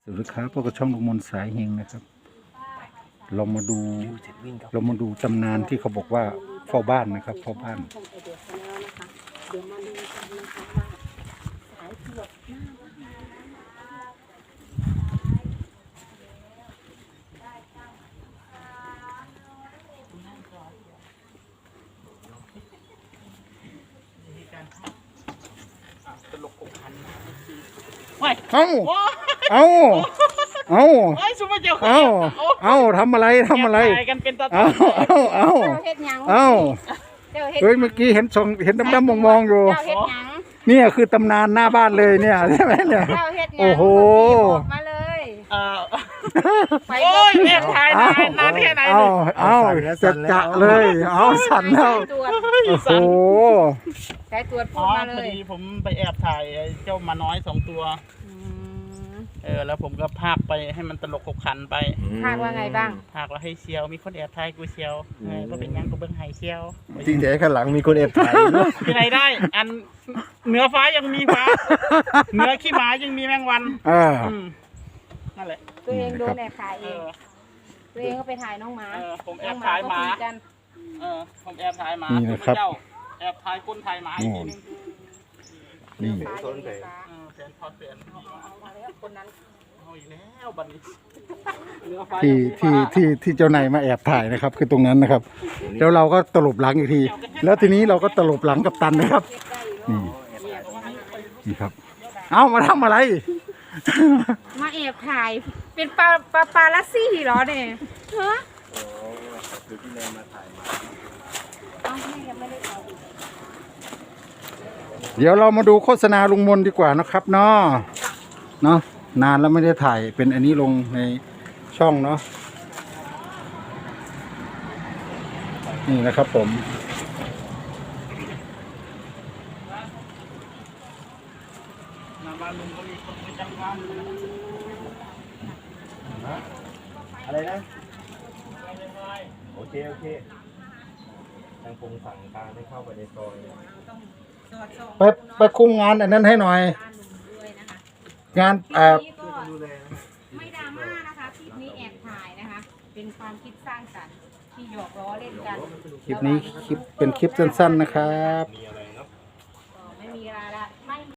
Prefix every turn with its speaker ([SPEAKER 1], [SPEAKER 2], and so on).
[SPEAKER 1] สวัสดีครับพวกกับช่องลุงมนสายเฮงนะครับเรามาดูตำนานที่เขาบอกว่าเฝ้าบ้านนะครับเฝ้าบ้าน
[SPEAKER 2] เดี๋ยวมาดูกันนะคะว่าสายตรวจหน้าบ้าน
[SPEAKER 1] เอาทำอะไร
[SPEAKER 3] กันเป็นตา
[SPEAKER 1] เอา
[SPEAKER 2] เฮ็ดหยัง
[SPEAKER 1] เฮ้ยเมื่อกี้เห็นดำๆมองๆอยู่
[SPEAKER 2] เจ้าเฮ็ดหยัง
[SPEAKER 1] เนี่ยคือตำนานหน้าบ้านเลยเนี่ยใช่ไหมเนี่ย
[SPEAKER 2] เจ้าเฮ็ดหยัง
[SPEAKER 1] โอ้โห
[SPEAKER 2] บอกมาเลยไป
[SPEAKER 3] โอ้ยแม่ทายนานแค่ไหน
[SPEAKER 1] เอาจะเลยเอาสั่นแล้ว
[SPEAKER 2] ตรวจ
[SPEAKER 1] โอ้โห
[SPEAKER 2] สายตรวจพู
[SPEAKER 3] อ๋
[SPEAKER 2] ด
[SPEAKER 3] อ
[SPEAKER 2] มา
[SPEAKER 3] พ
[SPEAKER 2] เล
[SPEAKER 3] อย ดีผมไปแอบถ่ายเจ้ามาน้อย2 ตัว แล้วผมก็พากไปให้มันตลกขบขันไป
[SPEAKER 2] คาดว่าไงบ้าง
[SPEAKER 3] พากว่าให้เชียวมีคนแอบถ่ายกูเชียวก็เป็นยังก็เบิ้งไห้เชียว
[SPEAKER 4] จริงแต่ข้างหลังมีคนแอบถ่าย
[SPEAKER 3] ที่ไหนได้ อันเหนือฟ้ายังมีฟ้าเหนือขี้หมายังมีแมงวันนั่นแหละ
[SPEAKER 2] ตัวเองโดนแอบถ่ายเอ
[SPEAKER 3] เอง อ
[SPEAKER 2] ตัวเองก็ไปถ่ายน้องหมา
[SPEAKER 3] ผมแอบถ่ายหมา
[SPEAKER 2] น้องก็คุกัน
[SPEAKER 3] ผมแอบถ่ายหมา
[SPEAKER 1] นี่นะครับ
[SPEAKER 3] เจ้าแอบถ่ายคนถ่ายหมาอีกทีนึง
[SPEAKER 1] นี่
[SPEAKER 2] ฟ้าอยู่ในฟ้า
[SPEAKER 3] แฟนพอดแฟน
[SPEAKER 2] เอามาแล้วคนนั้น
[SPEAKER 3] เอาอีกแล้วบัดนี้เหนือฟ้า
[SPEAKER 1] ที่เจ้านายมาแอบถ่ายนะครับ คือตรงนั้นนะครับแล้วเราก็ตลบหลังอีกที แล้วทีนี้เราก็ตลบหลังกับตันนะครับนี่ครับ เอามาทำอะไร
[SPEAKER 2] มาแอบถ่ายเป็นปาลัสซี่เหรอเนี่ยฮะเอาแม่ยังไม่ได้เอาอีก
[SPEAKER 1] เดี๋ยวเรามาดูโฆษณาลุงมนดีกว่านะครับเนาะนานแล้วไม่ได้ถ่ายเป็นอันนี้ลงในช่องเนาะนี่นะครับผม
[SPEAKER 3] หน้าบ้านลุงก็มีคนประจำการ
[SPEAKER 4] อะไรนะโอเคทางคงสั่งการให้เข้าไปในซอย
[SPEAKER 1] ไปคุมงานอันนั้นให้หน่อย งาน
[SPEAKER 4] ดูแล
[SPEAKER 2] ไม่ดราม่านะคะคลิปนี้แอบถ่ายนะคะ เป็นความคิดสร้างสรรค์ที่หยอกล้อเล่นกัน
[SPEAKER 1] คลิปนี้เป็นคลิปสั้นๆนะครับ
[SPEAKER 4] มีอะไร